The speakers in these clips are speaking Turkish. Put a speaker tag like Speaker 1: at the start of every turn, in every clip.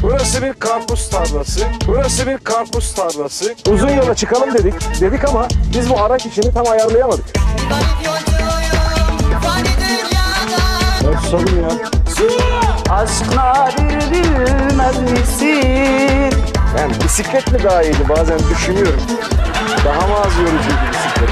Speaker 1: Burası bir karpuz tarlası. Burası bir karpuz tarlası. Uzun yola çıkalım dedik ama biz bu araç işini tam ayarlayamadık. Ben susadım ya.
Speaker 2: Aşk nadir bilmez misin?
Speaker 1: Yani bisiklet mi daha iyiydi bazen düşünüyorum. Daha mı az yorucuydu bisiklet?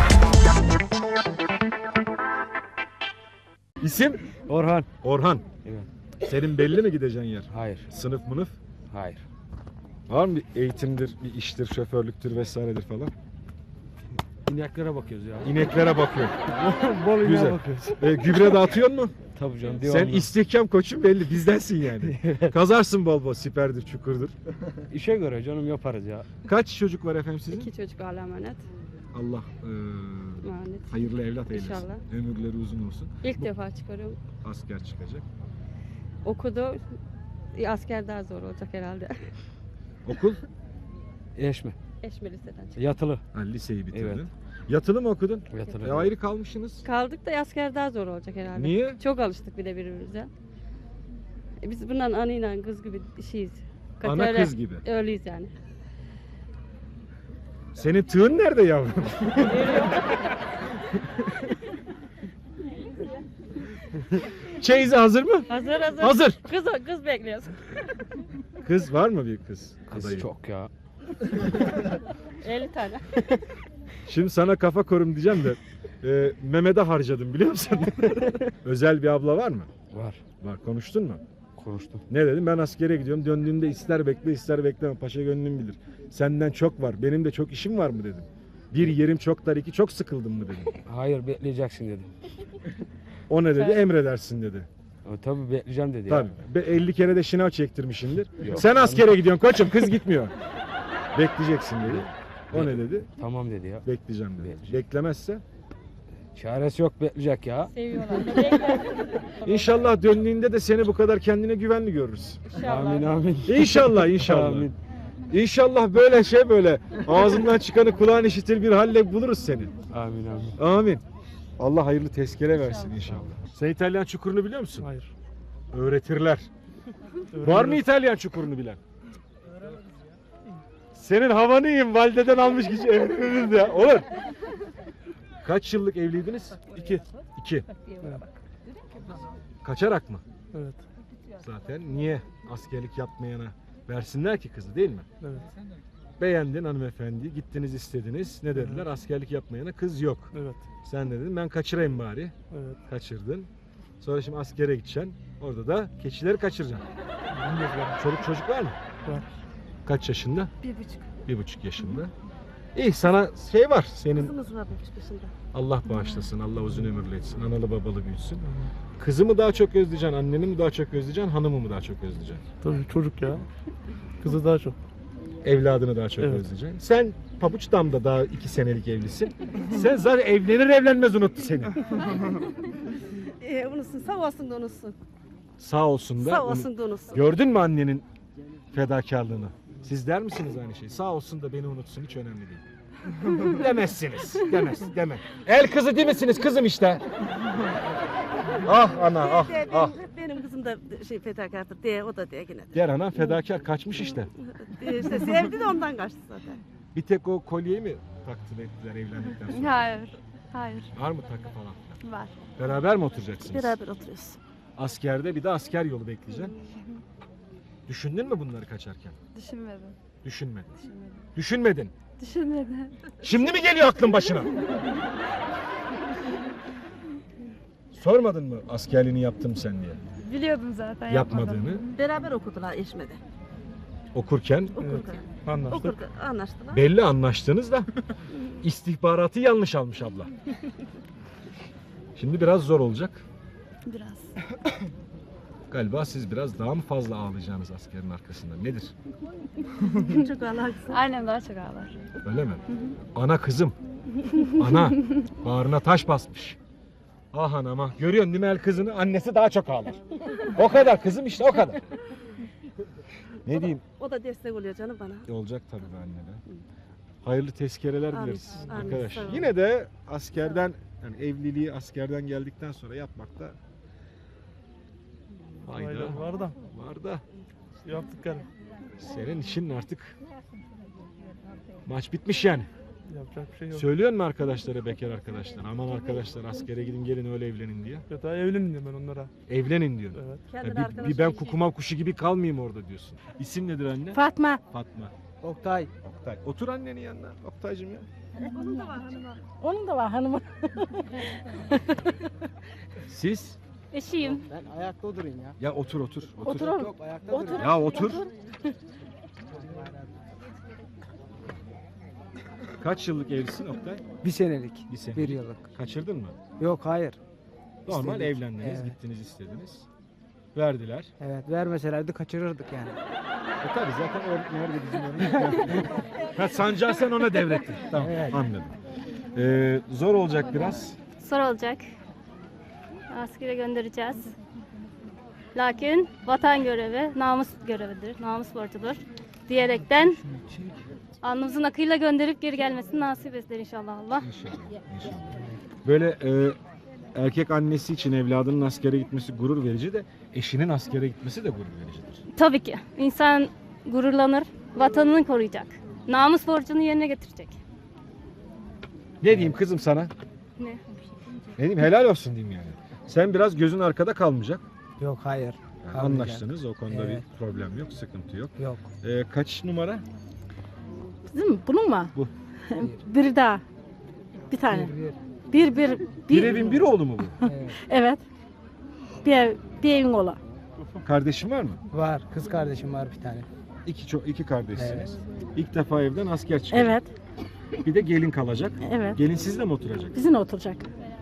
Speaker 3: İsim?
Speaker 4: Orhan.
Speaker 3: Orhan.
Speaker 4: Evet.
Speaker 3: Senin belli mi gideceğin yer?
Speaker 4: Hayır.
Speaker 3: Sınıf mınıf?
Speaker 4: Hayır.
Speaker 3: Var mı bir eğitimdir, bir iştir, şoförlüktür vesairedir falan?
Speaker 4: İneklere bakıyoruz ya.
Speaker 3: İneklere bakıyor.
Speaker 4: Bol ineğe
Speaker 3: Güzel.
Speaker 4: bakıyoruz.
Speaker 3: Gübre dağıtıyor mu?
Speaker 4: Tabii canım.
Speaker 3: Sen
Speaker 4: Devamlı.
Speaker 3: istihkam koçun belli, bizdensin yani. Kazarsın bol bol, siperdir, çukurdur.
Speaker 4: İşe göre canım yaparız ya.
Speaker 3: Kaç çocuk var efendim sizin?
Speaker 5: 2 çocuk Allah'a emanet.
Speaker 3: Allah
Speaker 5: Emanet.
Speaker 3: hayırlı evlat eylesin.
Speaker 5: İnşallah.
Speaker 3: Ömürleri uzun olsun.
Speaker 5: İlk defa çıkarıyorum.
Speaker 3: Asker çıkacak.
Speaker 5: Okudu. Asker daha zor olacak herhalde.
Speaker 3: Okul?
Speaker 4: Eşme.
Speaker 5: Eşme liseden çıktı.
Speaker 4: Yatılı.
Speaker 3: Ha, liseyi bitirdin.
Speaker 4: Evet.
Speaker 3: Yatılı mı okudun?
Speaker 4: Yatılı.
Speaker 3: Ayrı kalmışsınız.
Speaker 5: Kaldık da asker daha zor olacak herhalde.
Speaker 3: Niye?
Speaker 5: Çok alıştık bir de birbirimize. Biz bundan anıyla kız gibi işiyiz.
Speaker 3: Ana
Speaker 5: Öyle-
Speaker 3: kız gibi.
Speaker 5: Öyleyiz yani.
Speaker 3: Senin tığın nerede yavrum? Çeyizi hazır mı?
Speaker 5: Hazır hazır.
Speaker 3: Hazır.
Speaker 5: Kız bekliyoruz.
Speaker 3: Kız var mı bir kız?
Speaker 4: Kız
Speaker 3: adayı?
Speaker 4: çok ya.
Speaker 5: 50 tane.
Speaker 3: Şimdi sana kafa korum diyeceğim de Mehmet'e harcadım biliyor musun? Özel bir abla var mı?
Speaker 4: Var.
Speaker 3: Var. Konuştun mu?
Speaker 4: Konuştum.
Speaker 3: Ne dedim? Ben askere gidiyorum. Döndüğümde ister bekle ister bekleme. Paşa gönlüm bilir. Senden çok var. Benim de çok işim var mı dedim. Bir yerim çok dar, iki çok sıkıldım mı dedim.
Speaker 4: Hayır bekleyeceksin dedim.
Speaker 3: O ne dedi? Emredersin dedi.
Speaker 4: Tabii bekleyeceğim dedi
Speaker 3: Tabii.
Speaker 4: ya.
Speaker 3: 50 kere de şınav çektirmişimdir.
Speaker 4: Yok.
Speaker 3: Sen askere gidiyorsun koçum, kız gitmiyor. Bekleyeceksin dedi. O ne dedi?
Speaker 4: Tamam dedi ya.
Speaker 3: Bekleyeceğim dedi.
Speaker 4: Bekleyeceğim.
Speaker 3: Beklemezse
Speaker 4: Çaresi yok bekleyecek ya.
Speaker 5: Seviyorlar.
Speaker 3: İnşallah döndüğünde de seni bu kadar kendine güvenli görürüz.
Speaker 4: Amin amin.
Speaker 3: İnşallah inşallah.
Speaker 4: Amin.
Speaker 3: İnşallah böyle ağzından çıkanı kulağın işitir bir halle buluruz seni.
Speaker 4: Amin amin.
Speaker 3: Amin. Allah hayırlı tezkere versin inşallah. Sen İtalyan çukurunu biliyor musun?
Speaker 4: Hayır.
Speaker 3: Öğretirler. Var mı İtalyan çukurunu bilen? Senin havanı yiyeyim, valideden almış kişi evleniriz ya. Olur. Kaç yıllık evliydiniz? 2. Kaçarak mı?
Speaker 6: Evet.
Speaker 3: Zaten niye askerlik yapmayana versinler ki kızı değil mi?
Speaker 6: Evet.
Speaker 3: Beğendin hanımefendi, gittiniz istediniz. Ne dediler? Askerlik yapmayana kız yok.
Speaker 6: Evet.
Speaker 3: Sen de dedin ben kaçırayım bari.
Speaker 6: Evet.
Speaker 3: Kaçırdın. Sonra şimdi askere gideceksin. Orada da keçileri kaçıracaksın. Çoluk çocuk var mı?
Speaker 6: Var.
Speaker 3: Kaç yaşında?
Speaker 5: 1,5.
Speaker 3: 1,5 yaşında. İyi sana şey var senin.
Speaker 5: Kızımız var 1,5 yaşında.
Speaker 3: Allah bağışlasın, Allah uzun ömürlü etsin, analı babalı büyütsün. Kızı mı daha çok özleyeceksin, anneni mi daha çok özleyeceksin, hanımı mı daha çok özleyeceksin?
Speaker 6: Tabii çocuk ya. Kızı daha çok.
Speaker 3: Evladını daha çok
Speaker 6: Evet.
Speaker 3: özleyeceksin. Sen pabuç damda daha 2 senelik evlisin. Sen zaten evlenir evlenmez unuttu seni.
Speaker 5: Unutsun. Sağ olsun da unutsun.
Speaker 3: Sağ olsun da.
Speaker 5: Sağ olsun da unutsun.
Speaker 3: Gördün mü annenin fedakarlığını? Siz der misiniz aynı şeyi? Sağ olsun da beni unutsun, hiç önemli değil. Demezsiniz. Deme. El kızı değil misiniz kızım işte? Ah ana ah.
Speaker 5: Benim kızım da fedakardır diye o da diye yine.
Speaker 3: Diğer ana fedakar kaçmış işte.
Speaker 5: İşte sevdi de ondan kaçtı zaten.
Speaker 3: Bir tek o kolyeyi mi takdim ettiler evlendikten sonra?
Speaker 5: Hayır. Hayır.
Speaker 3: Var mı takı falan?
Speaker 5: Var.
Speaker 3: Beraber mi oturacaksınız?
Speaker 5: Beraber oturuyoruz.
Speaker 3: Askerde bir de asker yolu bekleyeceksin. Düşündün mü bunları kaçarken?
Speaker 5: Düşünmedim.
Speaker 3: Düşünmedin.
Speaker 5: Düşünmedim.
Speaker 3: Düşünmedin.
Speaker 5: Düşünmedim.
Speaker 3: Şimdi mi geliyor aklın başına? Sormadın mı askerliğini yaptım sen diye?
Speaker 5: Biliyordum zaten.
Speaker 3: Yapmadığını.
Speaker 5: Beraber okudular Eşme'de.
Speaker 3: Okurken
Speaker 5: Okurken.
Speaker 6: Anlaştık.
Speaker 5: Okurken anlaştılar.
Speaker 3: belli anlaştınız da istihbaratı yanlış almış abla. Şimdi biraz zor olacak.
Speaker 5: Biraz.
Speaker 3: Galiba siz biraz daha mı fazla ağlayacaksınız askerin arkasında? Nedir?
Speaker 5: Çok ağlarsın.
Speaker 7: Annem daha çok ağlar.
Speaker 3: Öyle mi? Ana kızım. Ana. Bağrına taş basmış. Ah anama. Görüyorsun değil mi el kızını? Annesi daha çok ağlar. O kadar kızım işte o kadar. Ne diyeyim?
Speaker 5: O da destek oluyor canım bana.
Speaker 3: Olacak tabii be annene. Hayırlı tezkereler
Speaker 5: Amin,
Speaker 3: dileriz
Speaker 5: amin,
Speaker 3: arkadaş.
Speaker 5: sağ olun.
Speaker 3: Yine de askerden yani evliliği askerden geldikten sonra yapmakta fayda
Speaker 6: Fayda var da.
Speaker 3: var da
Speaker 6: Yaptık yani.
Speaker 3: Senin işin artık maç bitmiş yani.
Speaker 6: Yapacak bir şey yok.
Speaker 3: Söylüyor mu arkadaşlara, bekar arkadaşlar? Aman arkadaşlar askere gidin gelin öyle evlenin diye.
Speaker 6: Ya daha evlenin diyorum ben onlara.
Speaker 3: Evlenin diyor.
Speaker 6: Evet.
Speaker 3: Bir ben kukumav kuşu gibi kalmayayım orada diyorsun. İsim nedir anne?
Speaker 2: Fatma.
Speaker 3: Fatma.
Speaker 2: Oktay.
Speaker 3: Oktay. Otur annenin yanına. Oktaycığım ya.
Speaker 2: Onun da var hanımı.
Speaker 3: Siz?
Speaker 5: Eşiyim.
Speaker 2: Ben ayakta durayım ya.
Speaker 3: Ya otur otur.
Speaker 2: Otur oğlum. Yok ayakta durayım.
Speaker 3: Ya otur. Kaç yıllık evlisin Oktay?
Speaker 2: Bir senelik.
Speaker 3: Bir sene.
Speaker 2: Bir yıllık.
Speaker 3: Kaçırdın mı?
Speaker 2: Yok hayır.
Speaker 3: Normal
Speaker 2: İstedik.
Speaker 3: evlendiniz,
Speaker 2: Evet.
Speaker 3: gittiniz istediniz. Verdiler.
Speaker 2: Evet vermeselerdi kaçırırdık yani.
Speaker 3: Tabii zaten o nerede bizim orada? Ha, sancağı sen ona devrettin. Tamam
Speaker 2: Evet.
Speaker 3: anladım. Zor olacak biraz.
Speaker 5: Zor olacak. Askere göndereceğiz. Lakin vatan görevi namus görevidir, namus borcudur diyerekten alnımızın akıyla gönderip geri gelmesini nasip eder inşallah Allah.
Speaker 3: İnşallah. Böyle erkek annesi için evladının askere gitmesi gurur verici de eşinin askere gitmesi de gurur vericidir.
Speaker 5: Tabii ki insan gururlanır, vatanını koruyacak, namus borcunu yerine getirecek.
Speaker 3: Ne diyeyim kızım sana?
Speaker 5: Ne?
Speaker 3: Ne diyeyim helal olsun diyeyim yani. Sen biraz gözün arkada kalmayacak.
Speaker 2: Yok hayır.
Speaker 3: Yani
Speaker 2: Kalmayacak.
Speaker 3: anlaştınız o konuda
Speaker 2: Evet.
Speaker 3: bir problem yok, sıkıntı yok.
Speaker 2: Yok.
Speaker 3: Kaç numara?
Speaker 7: Bizim bunun mu?
Speaker 3: Bu.
Speaker 7: Bir daha. Bir tane.
Speaker 2: Bir.
Speaker 3: Bir evin bir oğlu mu bu?
Speaker 2: Evet.
Speaker 7: Evet. Bir evin ola.
Speaker 3: Kardeşin var mı?
Speaker 2: Var. Kız kardeşim var bir tane.
Speaker 3: İki kardeşsiniz. İlk defa evden asker çıkacak.
Speaker 7: Evet.
Speaker 3: Bir de gelin kalacak.
Speaker 7: Evet.
Speaker 3: Gelin sizle mi oturacak?
Speaker 7: Bizimle oturacak.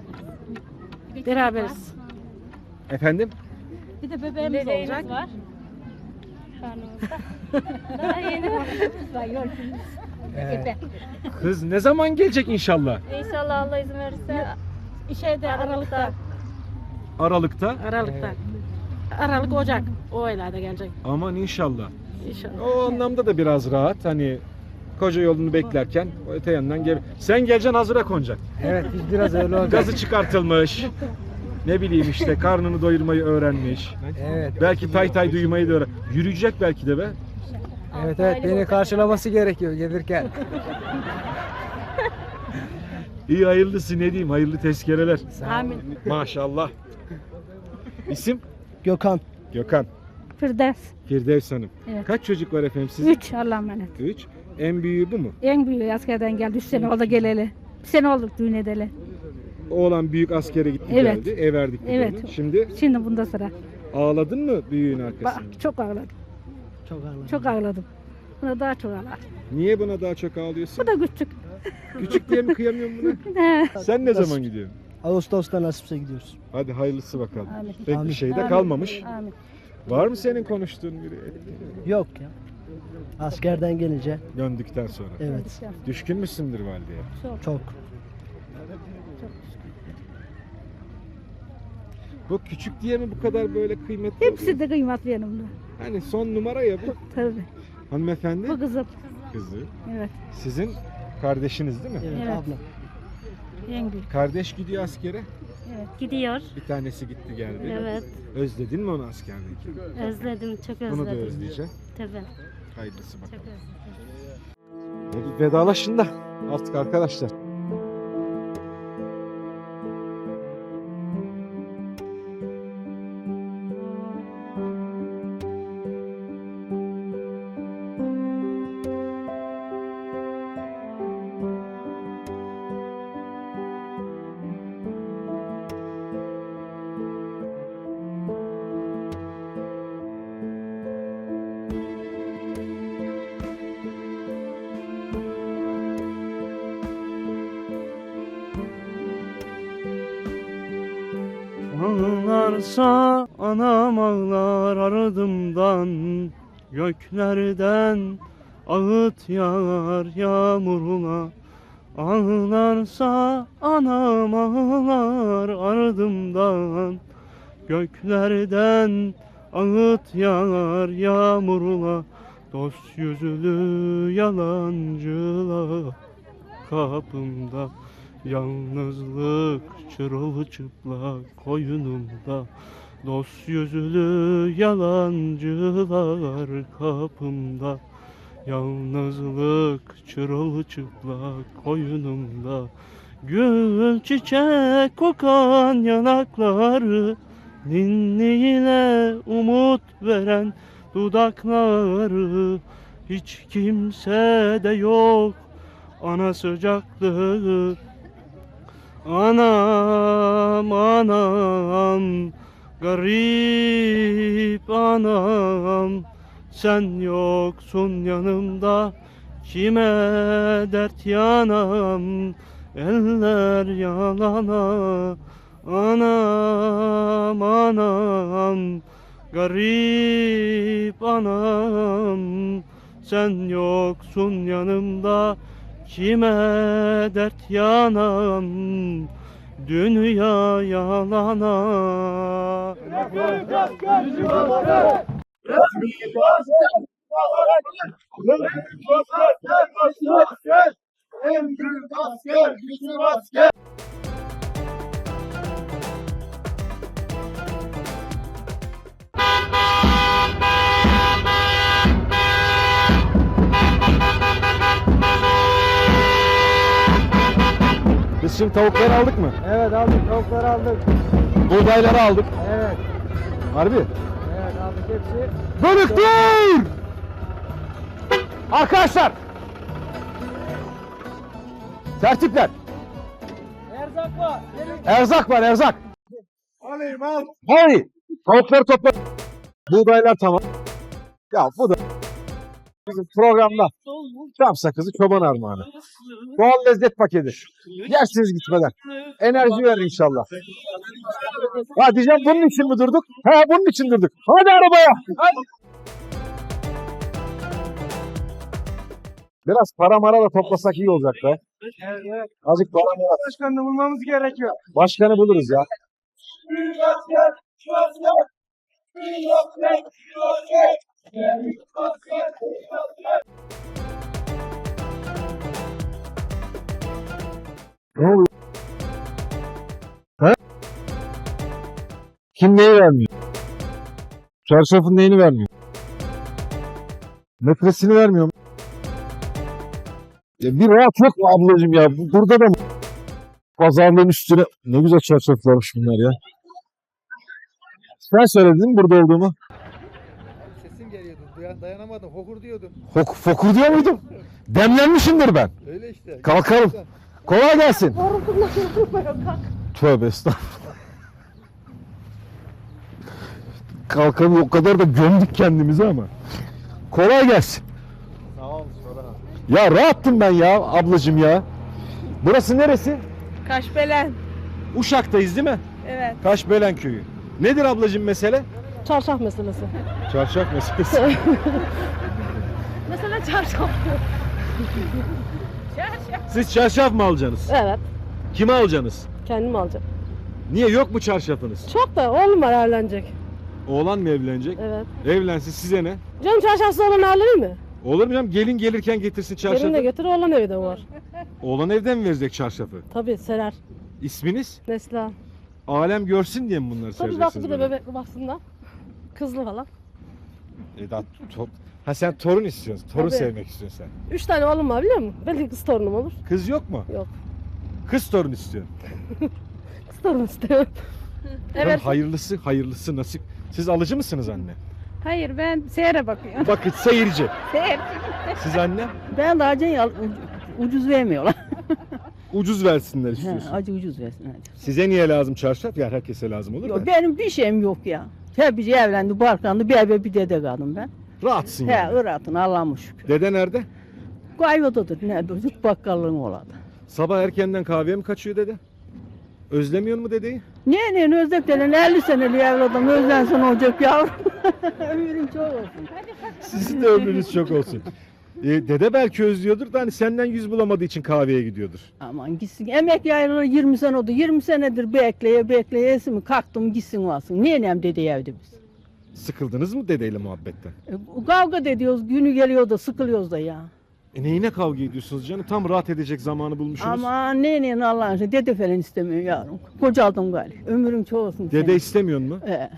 Speaker 7: Beraberiz.
Speaker 3: Efendim?
Speaker 7: Bir de bebeğimiz olacak.
Speaker 5: var. Karnımızda. Daha yeni var.
Speaker 2: Evet.
Speaker 3: Kız ne zaman gelecek inşallah?
Speaker 5: İnşallah Allah izin verirse
Speaker 7: Şeyde Aralık'ta.
Speaker 3: Aralıkta.
Speaker 7: Aralık'ta. Aralık Ocak. O aylarda gelecek.
Speaker 3: Aman inşallah.
Speaker 7: İnşallah.
Speaker 3: O anlamda da biraz rahat. Hani koca yolunu beklerken o öte yandan gel. Sen geleceksin hazıra konacak.
Speaker 2: Evet biz biraz öyle olacak.
Speaker 3: Gazı çıkartılmış. Ne bileyim işte karnını doyurmayı öğrenmiş.
Speaker 2: Evet.
Speaker 3: Belki tay tay duymayı da öğren. Yürüyecek belki de be.
Speaker 2: Evet beni karşılaması gerekiyor gelirken.
Speaker 3: İyi hayırlısı ne diyeyim hayırlı tezkereler.
Speaker 7: Amin.
Speaker 3: Maşallah. İsim?
Speaker 2: Gökhan.
Speaker 3: Gökhan.
Speaker 7: Firdevs.
Speaker 3: Firdevs Hanım.
Speaker 7: Evet.
Speaker 3: Kaç çocuk var efendim sizin?
Speaker 7: 3 Allah'a emanet.
Speaker 3: 3. En büyüğü bu mu?
Speaker 7: En büyüğü askerden geldi. 3 sene oldu geleli. Bir sene olduk düğün edeli.
Speaker 3: Oğlan büyük askere gitti
Speaker 7: Evet.
Speaker 3: geldi. Ev verdik biz
Speaker 7: Evet.
Speaker 3: onu. Şimdi
Speaker 7: Şimdi bunda sıra.
Speaker 3: ağladın mı büyüğün arkasında?
Speaker 7: Çok ağladım. Çok ağladım. Buna daha çok ağladım.
Speaker 3: Niye buna daha çok ağlıyorsun?
Speaker 7: Bu da küçük.
Speaker 3: Küçük diye mi kıyamıyorsun buna? Sen ne zaman gidiyorsun?
Speaker 2: Ağustos'ta nasipse gidiyoruz.
Speaker 3: Hadi hayırlısı bakalım.
Speaker 7: Amin.
Speaker 3: Pek bir şey de kalmamış.
Speaker 7: Amin.
Speaker 3: Var mı senin konuştuğun biri?
Speaker 2: Yok ya. Askerden gelince.
Speaker 3: Döndükten sonra.
Speaker 2: Evet.
Speaker 3: Düşkün müsündür valideye?
Speaker 2: Çok.
Speaker 3: Bu küçük diye mi bu kadar böyle kıymetli oluyor?
Speaker 7: Hepsi de kıymetli yanımda.
Speaker 3: Hani son numara ya bu.
Speaker 7: Tabii.
Speaker 3: Hanımefendi
Speaker 7: Bu kızım.
Speaker 3: kızı.
Speaker 7: Evet.
Speaker 3: Sizin kardeşiniz değil mi?
Speaker 7: Evet.
Speaker 2: Abla.
Speaker 7: En büyük.
Speaker 3: Kardeş gidiyor askere.
Speaker 5: gidiyor.
Speaker 3: Bir tanesi gitti geldi.
Speaker 5: Evet.
Speaker 3: Özledin mi onu askerdeyken?
Speaker 5: Özledim, çok özledim.
Speaker 3: Bunu da özleyeceğim.
Speaker 5: Tabii.
Speaker 3: Hayırlısı bakalım.
Speaker 5: Çok özledim.
Speaker 3: Hadi vedalaşın da artık arkadaşlar.
Speaker 4: Ağlarsa anam ağlar ardımdan, göklerden ağıt yağar yağmuruna. Ağlarsa anam ağlar ardımdan, göklerden ağıt yağar yağmuruna. Dost yüzlü yalancılar kapımda, yalnızlık çırılçıplak koynumda. Dost yüzlü yalancılar kapımda. Yalnızlık çırılçıplak koynumda. Gül çiçek kokan yanakları, ninniyle umut veren dudakları. Hiç kimsede yok ana sıcaklığı. Anam anam, garip anam, sen yoksun yanımda, kime dert yanam, eller yalana. Anam anam, garip anam, sen yoksun yanımda, kime dert yanam, dünya yalana.
Speaker 3: Biz şimdi tavukları aldık mı?
Speaker 2: Evet aldık, tavukları aldık.
Speaker 3: Buğdayları aldık.
Speaker 2: Evet.
Speaker 3: Harbi.
Speaker 2: Evet aldık hepsi.
Speaker 3: Bölük dur! Arkadaşlar! Tertipler!
Speaker 2: Erzak var.
Speaker 3: Erzak var, erzak! Hadi! Tavukları topla. Buğdaylar tamam. Ya bu da bizim programda Çam sakızı çoban armağanı. Doğal lezzet paketi. Yersiniz gitmeden. Enerji verir inşallah. Ha diyeceğim bunun için mi durduk? He bunun için durduk. Hadi arabaya. Hadi. Biraz para mara da toplasak iyi olacak be. Azıcık para mara.
Speaker 2: Başkanını bulmamız gerekiyor.
Speaker 3: Başkanı buluruz ya. Ne oluyor? He? Kim neyi vermiyor? Çarşafın neyini vermiyor? Metresini vermiyor mu? Ya bir rahat yok mu ablacığım ya? Burada da mı? Pazarlığın üstüne. Ne güzel çarşaflarmış bunlar ya. Sen söyledin mi burada olduğumu?
Speaker 2: Sesim geliyordu. Dayanamadım. Hokur diyordum.
Speaker 3: Fokur diyor muydum? Demlenmişimdir ben.
Speaker 2: Öyle işte.
Speaker 3: Kalkalım. Kolay gelsin. Tövbe estağfurullah. Kalkalım o kadar da gömdük kendimizi ama. Kolay gelsin.
Speaker 2: Sağ ol. Sonra.
Speaker 3: Ya rahattım ben ya ablacığım ya. Burası neresi?
Speaker 7: Kaşbelen.
Speaker 3: Uşak'tayız değil mi?
Speaker 7: Evet.
Speaker 3: Kaşbelen köyü. Nedir ablacığım mesele?
Speaker 7: Çarşaf meselesi.
Speaker 3: Çarşaf meselesi.
Speaker 7: Mesela çarşaf.
Speaker 3: Siz çarşaf mı alacaksınız?
Speaker 7: Evet.
Speaker 3: Kime alacaksınız?
Speaker 7: Kendim alacağım.
Speaker 3: Niye yok mu çarşafınız?
Speaker 7: Çok da oğlum var evlenecek.
Speaker 3: Oğlan mı evlenecek?
Speaker 7: Evet.
Speaker 3: Evlensin size ne?
Speaker 7: Canım çarşafsız olan alır mı?
Speaker 3: Olur mu canım? Gelin gelirken getirsin çarşafı.
Speaker 7: Gelin de götür oğlan evi de var.
Speaker 3: Oğlan evden mi verecek çarşafı?
Speaker 7: Tabii serer.
Speaker 3: İsminiz?
Speaker 7: Neslihan.
Speaker 3: Alem görsün diye mi bunları
Speaker 7: Tabii bak
Speaker 3: sereceksiniz
Speaker 7: bir de
Speaker 3: böyle?
Speaker 7: bebek baksınlar. Kızlı falan.
Speaker 3: Ha sen torun istiyorsun. Torun
Speaker 7: Tabii.
Speaker 3: sevmek istiyorsun sen.
Speaker 7: 3 tane oğlum var biliyor musun? Belki kız torunum olur.
Speaker 3: Kız yok mu?
Speaker 7: Yok.
Speaker 3: Kız torun istiyorsun.
Speaker 7: Kız torun istiyorum.
Speaker 3: Evet. Hayırlısı nasip. Siz alıcı mısınız anne?
Speaker 8: Hayır ben seyre bakıyorum.
Speaker 3: Bakın seyirci.
Speaker 8: Seyir.
Speaker 3: Siz anne?
Speaker 9: Ben de acı ucuz vermiyorlar.
Speaker 3: Ucuz versinler istiyorsun.
Speaker 9: Acı ucuz versin. Hadi.
Speaker 3: Size niye lazım çarşaf? Ya herkese lazım olur
Speaker 9: Yok,
Speaker 3: da.
Speaker 9: benim bir şeyim yok ya. Hepsi evlendi, barklandı, bir eve bir dede kaldım ben.
Speaker 3: Rahatsın
Speaker 9: He,
Speaker 3: yani.
Speaker 9: Irak'ın Allah'ıma şükür.
Speaker 3: Dede nerede?
Speaker 9: Kaybodadır, nerede? Züt bakkallığın oladı.
Speaker 3: Sabah erkenden kahveye mi kaçıyor dede? Özlemiyor mu dedeyi?
Speaker 9: Ne özleklerin 50 seneli evladım özlensin olacak yavrum. Ömrün çok olsun.
Speaker 3: Sizin de ömrünüz çok olsun. Dede belki özlüyordur da hani senden yüz bulamadığı için kahveye gidiyordur.
Speaker 9: Aman gitsin. Emek yayılalı 20 sene oldu. 20 senedir bekleye esimi kalktım gitsin varsın. Niye nem dede evde biz?
Speaker 3: Sıkıldınız mı dedeyle muhabbetten?
Speaker 9: Kavga da ediyoruz. Günü geliyor da sıkılıyoruz da ya.
Speaker 3: Neyine kavga ediyorsunuz canım? Tam rahat edecek zamanı bulmuşsunuz.
Speaker 9: Ama neyin Allah'ın izniyle dede falan istemiyor yavrum. Kocaldım galiba. Ömrüm çok olsun.
Speaker 3: Dede
Speaker 9: senin.
Speaker 3: istemiyor mu?
Speaker 9: He.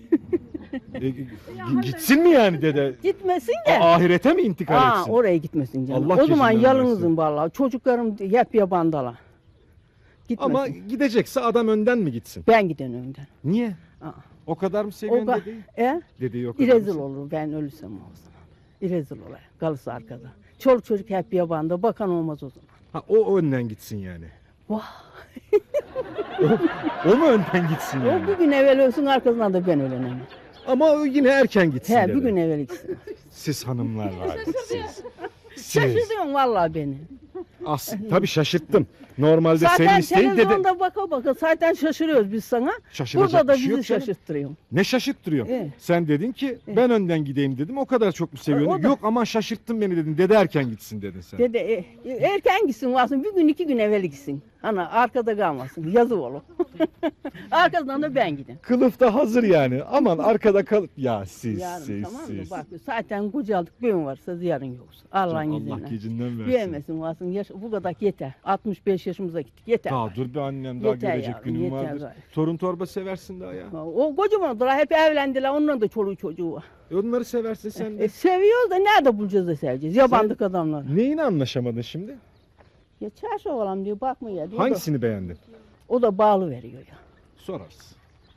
Speaker 3: Gitsin mi yani dede?
Speaker 9: Gitmesin de.
Speaker 3: Ahirete mi intikal etsin?
Speaker 9: Oraya gitmesin canım.
Speaker 3: Allah
Speaker 9: O zaman
Speaker 3: gecinden
Speaker 9: yalnızım
Speaker 3: versin.
Speaker 9: vallahi. Çocuklarım hep yabandalar. Gitmesin.
Speaker 3: Ama gidecekse adam önden mi gitsin?
Speaker 9: Ben giden önden.
Speaker 3: Niye?
Speaker 9: Aa.
Speaker 3: O kadar mı seviyorsun
Speaker 9: O
Speaker 3: dedeyi?
Speaker 9: E?
Speaker 3: Dedeyi o kadar mı
Speaker 9: İrezil
Speaker 3: seviyorsun?
Speaker 9: olur ben ölürsem o zaman. İrezil olur. Kalırsa arkada. Çoluk çocuk hep yabanda. Bakan olmaz o zaman.
Speaker 3: Ha, o önden gitsin yani.
Speaker 9: Vah.
Speaker 3: O mu önden gitsin yani?
Speaker 9: O bir gün evvel ölsün arkasından da ben ölenem.
Speaker 3: Ama o yine erken gitsin
Speaker 9: He
Speaker 3: dede.
Speaker 9: bir gün evvel gitsin.
Speaker 3: Siz hanımlar var. Siz.
Speaker 9: Şaşırıyorsun vallahi beni.
Speaker 3: Tabii şaşırttım. Normalde senin
Speaker 9: Zaten
Speaker 3: isteğin dede.
Speaker 9: televizyonda baka baka zaten şaşırıyoruz biz sana.
Speaker 3: Şaşıracak
Speaker 9: Burada da
Speaker 3: bir şey yok
Speaker 9: bizi
Speaker 3: canım.
Speaker 9: şaşırttırıyorsun.
Speaker 3: Ne şaşırttırıyor?
Speaker 9: Evet.
Speaker 3: Sen dedin ki ben önden gideyim dedim. O kadar çok mu seviyorsun?
Speaker 9: O da-
Speaker 3: Yok ama şaşırttın beni dedin. Dede erken gitsin dedin sen.
Speaker 9: Dede erken gitsin varsın bir gün iki gün evvel gitsin. Ana arkada kalmasın yazık olur. Arkasından da ben gideyim.
Speaker 3: Kılıf da hazır yani. Aman arkada kalıp. Ya siz
Speaker 9: Yarın tamam mı?
Speaker 3: siz.
Speaker 9: Bak zaten kocaldık bugün varsa yarın yoksa. Allah'ın
Speaker 3: Allah
Speaker 9: izniyle.
Speaker 3: gecinden versin.
Speaker 9: Diyemesin varsın bu kadar yeter. 65 yaşımıza gittik yeter.
Speaker 3: Daha dur bir annem daha
Speaker 9: Yeter
Speaker 3: görecek
Speaker 9: yavrum,
Speaker 3: günüm
Speaker 9: yeter
Speaker 3: vardır.
Speaker 9: gayet.
Speaker 3: Torun torba seversin daha ya.
Speaker 9: O kocaman da hep evlendiler onların da çoluğu çocuğu var.
Speaker 3: Onları seversin sen de.
Speaker 9: Seviyoruz da nerede bulacağız da seveceğiz yabandık adamlar.
Speaker 3: Neyini anlaşamadın şimdi?
Speaker 9: Ya çarşı oğlan diyor bakma ya. diyor.
Speaker 3: Hangisini beğendin?
Speaker 9: O da bağlı veriyor ya.
Speaker 3: Sorarız.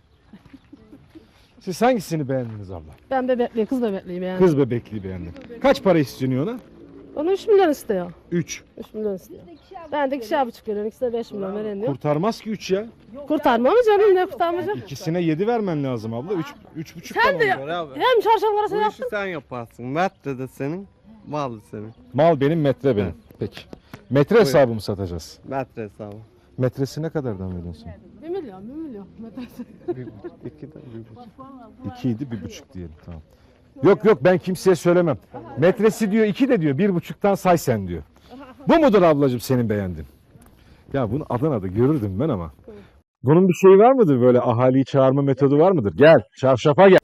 Speaker 3: Siz hangisini beğendiniz abla?
Speaker 8: Ben bebekli, kız bebekliyim yani.
Speaker 3: Kız bebekliği beğendim. Kaç para istiyorsun ona?
Speaker 8: Onu 3 milyon istiyor.
Speaker 3: 3.
Speaker 8: 3 milyon istiyor. Ben de 2,5 veriyorum. İkisi de 5 milyon veren diyor.
Speaker 3: Kurtarmaz ki 3 ya.
Speaker 8: Kurtarma mı canım ne kurtarmayacak?
Speaker 3: İkisine 7 vermen lazım abla. 3,5
Speaker 8: Sen de hem çarşaf arası
Speaker 4: Bu
Speaker 8: yaptın.
Speaker 4: işi sen yaparsın. Metre de senin, mal da senin.
Speaker 3: Mal benim, metre benim. Peki. Metre hesabı mı satacağız?
Speaker 4: Metre hesabı.
Speaker 3: Metresi ne kadardan veriyorsun?
Speaker 8: 1 milyon, 1 milyon.
Speaker 4: İki de bir buçuk.
Speaker 3: 2 idi, 1,5 diyelim tamam. Yok ben kimseye söylemem. Metresi diyor 2 de diyor 1,5'tan say sen diyor. Bu mudur ablacığım senin beğendin? Ya bunu Adana'da görürdüm ben ama. Bunun bir şeyi var mıdır böyle ahaliyi çağırma metodu var mıdır? Gel çarşafa gel.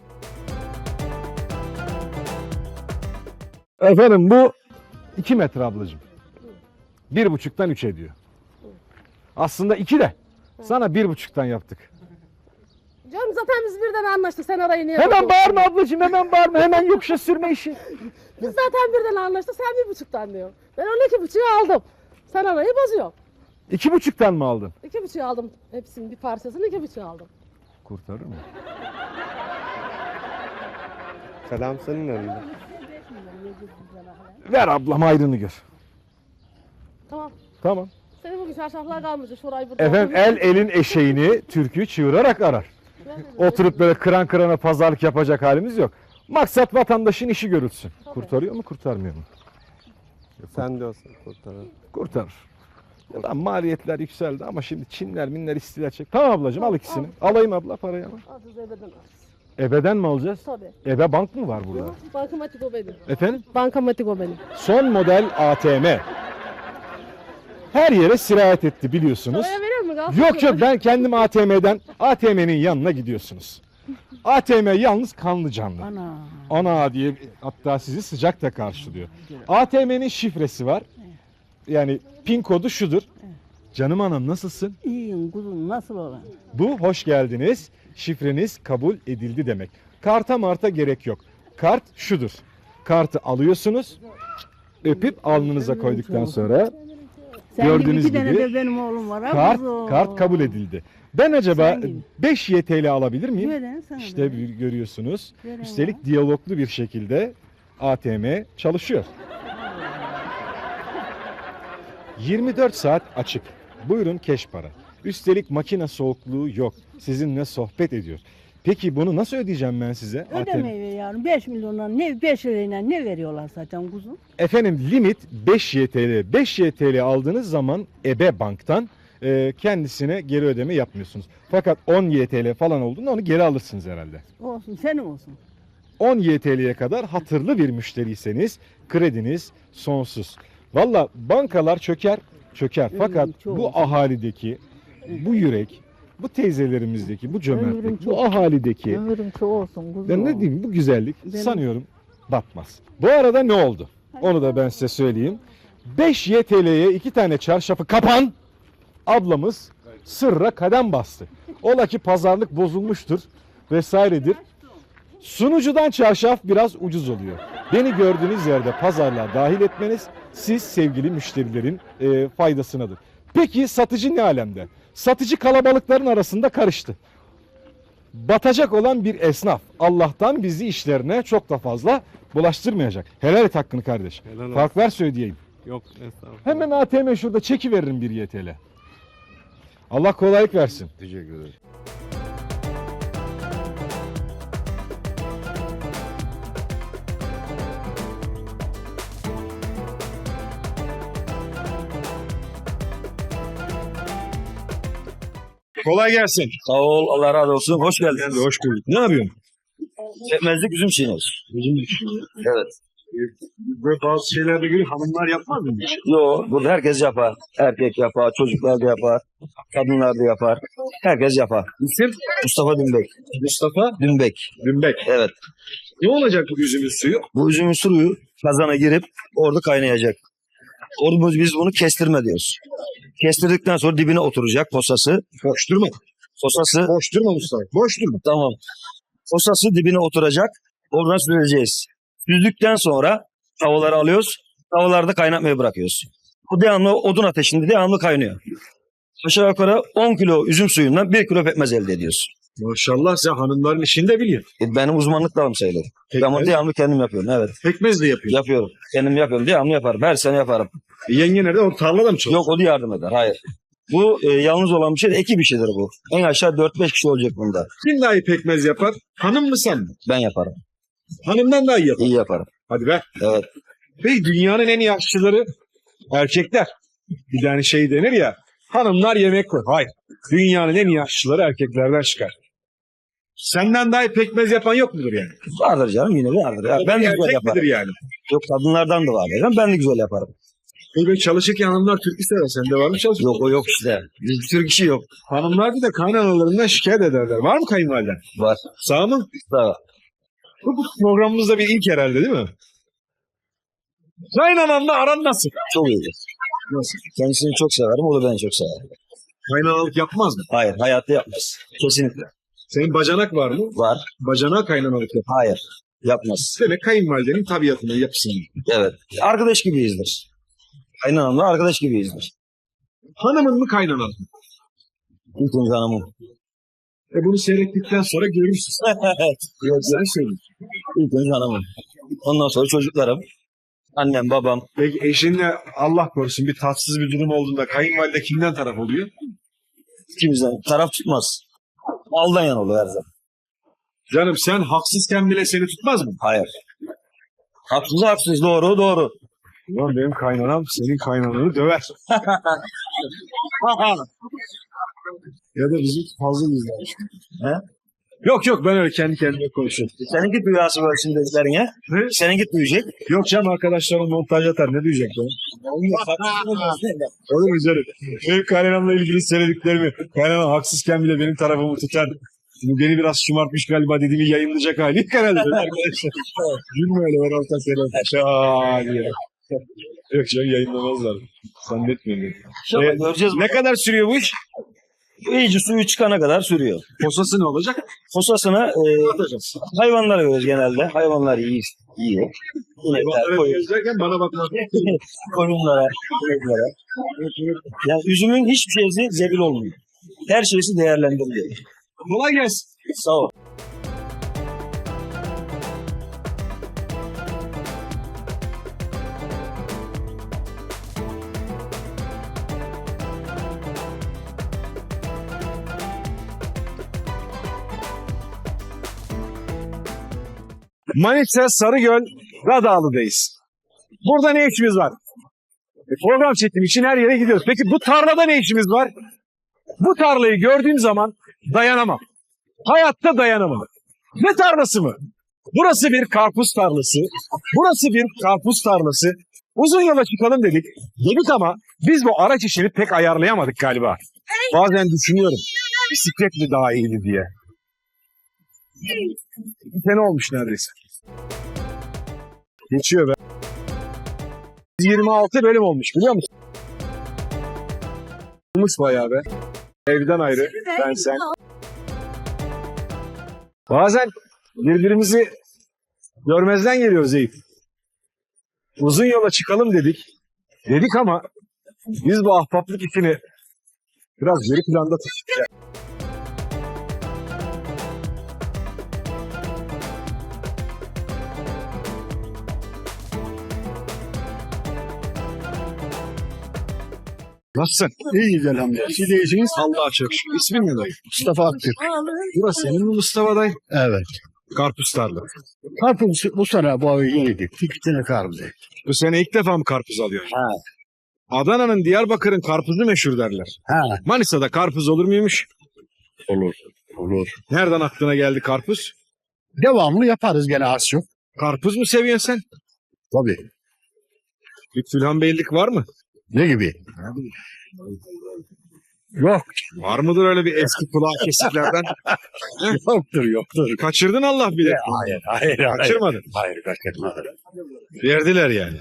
Speaker 3: Efendim bu 2 metre ablacığım. 1,5'tan 3 ediyor. Aslında 2 de. Sana 1,5'tan yaptık.
Speaker 8: Canım zaten biz birden anlaştık. Sen arayı niye
Speaker 3: Hemen
Speaker 8: bozdun?
Speaker 3: bağırma ablacığım hemen bağırma. Hemen yokuşa sürme işi.
Speaker 8: Biz zaten birden anlaştık. Sen 1,5'tan diyor. Ben onu 2,5'u aldım. Sen arayı bozuyorsun.
Speaker 3: 2,5'tan mı aldın?
Speaker 8: 2,5'u aldım. Hepsinin bir parçasını 2,5'u aldım.
Speaker 3: Kurtarır mı?
Speaker 4: Selam senin elinde.
Speaker 3: Ver ablam ayrını gör.
Speaker 8: Tamam.
Speaker 3: Tamam.
Speaker 8: Senin bugün çarşaflar kalmayacak. Şurayı burada.
Speaker 3: Efendim el elin eşeğini türkü çığırarak arar. Oturup böyle kıran kırana pazarlık yapacak halimiz yok. Maksat vatandaşın işi görülsün. Kurtarıyor mu kurtarmıyor mu?
Speaker 4: Sen diyorsun kurtarır.
Speaker 3: Kurtarır. Ya lan maliyetler yükseldi ama şimdi Çinler minler istiler çek. Tamam ablacığım al ikisini. Alayım abla parayı ama.
Speaker 8: Aziz ebeden al.
Speaker 3: Ebeden mi alacağız?
Speaker 8: Tabii.
Speaker 3: Ebe bank mı var burada?
Speaker 8: Bankamatik o benim.
Speaker 3: Efendim?
Speaker 8: Bankamatik o benim.
Speaker 3: Son model ATM. Her yere sirayet etti biliyorsunuz.
Speaker 8: Oraya veriyor mu? Kalsın
Speaker 3: Yok
Speaker 8: mı?
Speaker 3: ben kendim ATM'nin yanına gidiyorsunuz. ATM yalnız kanlı canlı. Ana diye hatta sizi sıcak da karşılıyor. ATM'nin şifresi var. Yani pin kodu şudur. Canım anam nasılsın?
Speaker 9: İyiyim kuzum nasıl olan?
Speaker 3: Bu hoş geldiniz. Şifreniz kabul edildi demek. Karta marta gerek yok. Kart şudur. Kartı alıyorsunuz. Öpüp alnınıza koyduktan sonra
Speaker 9: Sen
Speaker 3: gördüğünüz
Speaker 9: gibi 2 tane
Speaker 3: gibi
Speaker 9: de benim oğlum var. ha kuzum.
Speaker 3: kart kabul edildi. Ben acaba
Speaker 9: Sen gibi.
Speaker 3: 5 YTL alabilir miyim?
Speaker 9: Veren sana
Speaker 3: İşte
Speaker 9: da.
Speaker 3: görüyorsunuz.
Speaker 9: Veren
Speaker 3: Üstelik diyaloglu bir şekilde ATM çalışıyor. 24 saat açık. Buyurun keş para. Üstelik makine soğukluğu yok. Sizinle sohbet ediyor. Peki bunu nasıl ödeyeceğim ben size?
Speaker 9: Ödemeyi yavrum 5 milyondan ne 5 lirayla ne veriyorlar zaten kuzum?
Speaker 3: Efendim limit 5 YTL. 5 YTL aldığınız zaman EBE Bank'tan kendisine geri ödeme yapmıyorsunuz. Fakat 10 YTL falan olduğunda onu geri alırsınız herhalde.
Speaker 9: Olsun senin olsun.
Speaker 3: 10 YTL'ye kadar hatırlı bir müşteriyseniz krediniz sonsuz. Valla bankalar çöker. Fakat
Speaker 9: çok.
Speaker 3: bu ahalideki, bu yürek, bu teyzelerimizdeki, bu
Speaker 9: Ömrüm
Speaker 3: cömertlik,
Speaker 9: çok.
Speaker 3: bu ahalideki,
Speaker 9: Ömrüm çok olsun kuzum.
Speaker 3: ben ne diyeyim bu güzellik
Speaker 9: Benim-
Speaker 3: sanıyorum batmaz. Bu arada ne oldu? Onu da ben size söyleyeyim. 5 YTL'ye 2 tane çarşafı kapan ablamız sırra kadem bastı. Ola ki pazarlık bozulmuştur vesairedir. Sunucudan çarşaf biraz ucuz oluyor. Beni gördüğünüz yerde pazarlığa dahil etmeniz siz sevgili müşterilerin faydasınadır. Peki satıcı ne alemde? Satıcı kalabalıkların arasında karıştı. Batacak olan bir esnaf Allah'tan bizi işlerine çok da fazla bulaştırmayacak. Helal et hakkını kardeş.
Speaker 4: Helal
Speaker 3: Fark ver söyleyeyim.
Speaker 4: Yok estağfurullah.
Speaker 3: Hemen ATM şurada çeki veririm bir YTL. Allah kolaylık versin.
Speaker 4: Teşekkür ederim.
Speaker 3: Kolay gelsin.
Speaker 10: Sağ ol, Allah razı olsun. Hoş geldiniz.
Speaker 3: Hoş bulduk. Ne yapıyorsun?
Speaker 10: Pekmezlik üzüm çiğniyoruz. Evet.
Speaker 3: Böyle bazı şeylerde göre hanımlar yapmaz mı?
Speaker 10: Yo, burada herkes yapar. Erkek yapar, çocuklar da yapar, kadınlar da yapar. Herkes yapar.
Speaker 3: İsim?
Speaker 10: Mustafa Dünbek.
Speaker 3: Mustafa
Speaker 10: Dünbek.
Speaker 3: Dümbek.
Speaker 10: Evet.
Speaker 3: Ne olacak bu üzümün suyu?
Speaker 10: Bu üzümün suyu kazana girip orada kaynayacak. Orada biz bunu kestirme diyoruz. Kestirdikten sonra dibine oturacak posası.
Speaker 3: Boş durma.
Speaker 10: Posası,
Speaker 3: Boş durma Mustafa. Boş durma.
Speaker 10: tamam. Posası dibine oturacak. Oradan süreceğiz. Süzdükten sonra tavaları alıyoruz. Tavalarda kaynatmaya bırakıyoruz. Bu devamlı odun ateşinde devamlı kaynıyor. Aşağı yukarı 10 kilo üzüm suyundan 1 kilo pekmez elde ediyoruz.
Speaker 3: Maşallah sen hanımların işini de biliyorsun.
Speaker 10: Benim uzmanlık dalım sayılır. Ben bunu devamlı kendim yapıyorum. Evet.
Speaker 3: Pekmez de yapıyorsun.
Speaker 10: Yapıyorum. Kendim yapıyorum. Devamlı yaparım. Her sene yaparım.
Speaker 3: Yenge nerede? O tarlada mı çalışıyor?
Speaker 10: Yok, o da yardım eder. Hayır. Bu yalnız olan bir şey değil. Ekip işidir bu. En aşağı 4-5 kişi olacak bunda.
Speaker 3: Kim daha iyi pekmez yapar? Hanım mı sen mi?
Speaker 10: Ben yaparım.
Speaker 3: Hanımdan daha iyi yapar.
Speaker 10: İyi yaparım.
Speaker 3: Hadi be.
Speaker 10: Evet.
Speaker 3: Peki dünyanın en iyi aşçıları erkekler. Bir tane şey denir ya. Hanımlar yemek koy. Hayır. Dünyanın en iyi aşçıları erkeklerden çıkar. Senden daha iyi pekmez yapan yok mudur yani?
Speaker 10: Vardır canım, yine vardır. Ya, ben de güzel
Speaker 3: Erkek
Speaker 10: yaparım.
Speaker 3: midir yani?
Speaker 10: Yok, kadınlardan da var. Ben de güzel yaparım.
Speaker 3: Böyle çalışırken hanımlar türkü sever. Sende var mı çalışırken?
Speaker 10: Yok, o yok işte. Bir sürü kişi yok.
Speaker 3: Hanımlar bir de kaynanalarından şikayet ederler. Var mı kayınvaliden?
Speaker 10: Var.
Speaker 3: Sağ mı?
Speaker 10: Sağ ol.
Speaker 3: Bu programımızda bir ilk herhalde değil mi? Kaynananla aran nasıl?
Speaker 10: Çok iyidir.
Speaker 3: Nasıl?
Speaker 10: Kendisini çok severim, o da beni çok sever.
Speaker 3: Kaynanalık yapmaz mı?
Speaker 10: Hayır, hayatta yapmaz. Kesinlikle.
Speaker 3: Senin bacanak var mı?
Speaker 10: Var.
Speaker 3: Bacanağa kaynanalık yap.
Speaker 10: Hayır. Yapmaz.
Speaker 3: Demek kayınvalidenin tabiatına, yapısına.
Speaker 10: Evet. Arkadaş gibiyizdir. Kaynanamla arkadaş gibiyizdir.
Speaker 3: Hanımın mı kaynanan mı?
Speaker 10: İlk önce hanımım.
Speaker 3: Bunu seyrettikten sonra görürsün.
Speaker 10: Yok,
Speaker 3: Sen söyle.
Speaker 10: İlk önce hanımım. Ondan sonra çocuklarım. Annem, babam.
Speaker 3: Peki eşinle Allah korusun bir tatsız bir durum olduğunda kayınvalide kimden taraf oluyor?
Speaker 10: İkimizden taraf tutmaz. Aldan yan olur her zaman.
Speaker 3: Canım sen haksızken bile seni tutmaz mı?
Speaker 10: Hayır. Haksız haksız, doğru doğru.
Speaker 3: Ulan benim kaynanam senin kaynananı döver. Ya da bizi fazla izler.
Speaker 10: He?
Speaker 3: Yok ben öyle kendi kendime konuşuyorum.
Speaker 10: Seninki duyası var şimdi dediklerine.
Speaker 3: Ne?
Speaker 10: Seninki duyacak.
Speaker 3: Yok canım arkadaşlarım montaj atar ne diyecek o? Oğlum güzel. Benim kaynanamla ilgili söylediklerimi kaynanam haksızken bile benim tarafımı tutar. Bu beni biraz şımartmış galiba dediğimi yayınlayacak hali yok herhalde arkadaşlar. Gülme öyle ben orta selam. Diye. Yok canım yayınlamazlar. Zannetmiyorum.
Speaker 10: Göreceğiz.
Speaker 3: Ne kadar sürüyor bu iş?
Speaker 10: İyice suyu çıkana kadar sürüyor.
Speaker 3: Posası ne olacak?
Speaker 10: Posasını hayvanlara veriyoruz genelde. Hayvanlar yiyor.
Speaker 3: Hayvanlara gözlerken bana bakma.
Speaker 10: Koyunlara, ineklere. Yani üzümün hiçbir şeysi zebil olmuyor. Her şeysi değerlendiriliyor.
Speaker 3: Kolay gelsin.
Speaker 10: Sağ ol.
Speaker 3: Manisa Sarıgöl Radağlı'dayız. Burada ne işimiz var? Program çekim için her yere gidiyoruz. Peki bu tarlada ne işimiz var? Bu tarlayı gördüğüm zaman dayanamam. Hayatta dayanamam. Ne tarlası mı? Burası bir karpuz tarlası. Burası bir karpuz tarlası. Uzun yola çıkalım dedik. Dedik ama biz bu araç işini pek ayarlayamadık galiba. Bazen düşünüyorum. Bisiklet mi daha iyiydi diye. Bir sene olmuş neredeyse. Geçiyor be.
Speaker 1: 26 bölüm olmuş biliyor musun? Olmuş bayağı be. Evden ayrı, ben sen. Bazen birbirimizi görmezden geliyoruz Eyüp. Uzun yola çıkalım dedik. Dedik ama biz bu ahbaplık işini biraz geri planda tuttuk. Nasılsın?
Speaker 11: İyiyiz elhamdülillah. Siz de iyisiniz.
Speaker 1: Allah'a çok şükür. İsmin ne dayı?
Speaker 11: Mustafa Aktürk.
Speaker 1: Burası senin mi Mustafa dayı?
Speaker 11: Evet.
Speaker 1: Karpuz tarla.
Speaker 11: Karpuz bu sene bu ayı yeniydik. 2 tane karpuz ektik.
Speaker 1: Bu sene ilk defa mı karpuz alıyorsun?
Speaker 11: Ha.
Speaker 1: Adana'nın, Diyarbakır'ın karpuzu meşhur derler.
Speaker 11: Ha.
Speaker 1: Manisa'da karpuz olur muymuş?
Speaker 11: Olur. Olur.
Speaker 1: Nereden aklına geldi karpuz?
Speaker 11: Devamlı yaparız gene az çok.
Speaker 1: Karpuz mu seviyorsun sen?
Speaker 11: Tabii.
Speaker 1: Lütfülhan Beylik var mı?
Speaker 11: Ne gibi? Yok.
Speaker 1: Var mıdır öyle bir eski kulağı kesiklerden?
Speaker 11: Yoktur.
Speaker 1: Kaçırdın Allah bilir.
Speaker 11: Hayır.
Speaker 1: Kaçırmadın.
Speaker 11: Hayır kaçırmadım.
Speaker 1: Verdiler yani.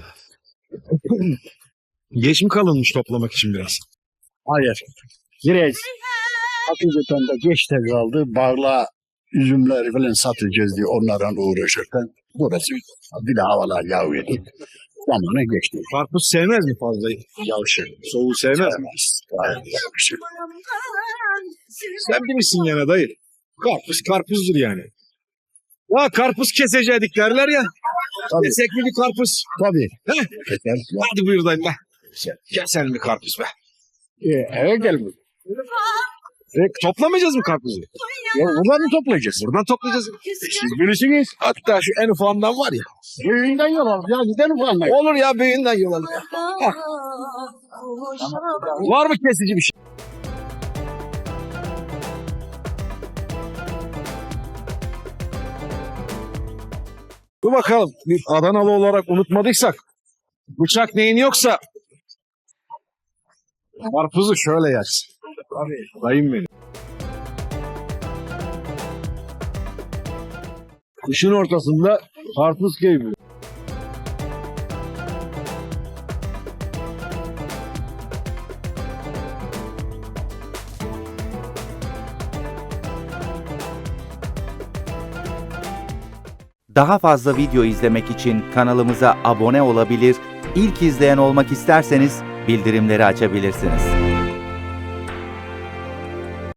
Speaker 1: Geç mi kalınmış toplamak için biraz?
Speaker 11: Hayır. Biraz hakikaten de geç de kaldı. Barla üzümleri falan satacağız diye onlardan uğraşırken burası bir de havalar yağıyordu. Zamanı geçti.
Speaker 1: Karpuz sevmez mi fazla?
Speaker 11: Yavşı.
Speaker 1: Soğuğu sevmez mi?
Speaker 11: Gayet yavşı.
Speaker 1: Sen bilirsin gene dayı. Karpuz karpuzdur yani. Ya karpuz kesecektik derler ya.
Speaker 11: Tabii.
Speaker 1: Kesek mi bir karpuz?
Speaker 11: Tabii.
Speaker 1: He?
Speaker 11: Yeter.
Speaker 1: Hadi buyur dayım be. Keselim bir karpuz be.
Speaker 11: Eve gel bu.
Speaker 1: Toplamayacağız mı karpuzu?
Speaker 11: Ya buradan mı toplayacağız?
Speaker 1: Buradan toplayacağız.
Speaker 11: Siz bilirsiniz.
Speaker 1: Hatta şu en ufağından var ya.
Speaker 11: Büyüğünden yol al. Ya gidelim falan.
Speaker 1: Olur ya büyüğünden yol alın. Var mı kesici bir şey? Dur bakalım. Bir Adanalı olarak unutmadıysak. Bıçak neyin yoksa. Karpuzu şöyle yersin. Dayım benim. Kışın ortasında karpuz keyfi.
Speaker 12: Daha fazla video izlemek için kanalımıza abone olabilir, ilk izleyen olmak isterseniz bildirimleri açabilirsiniz.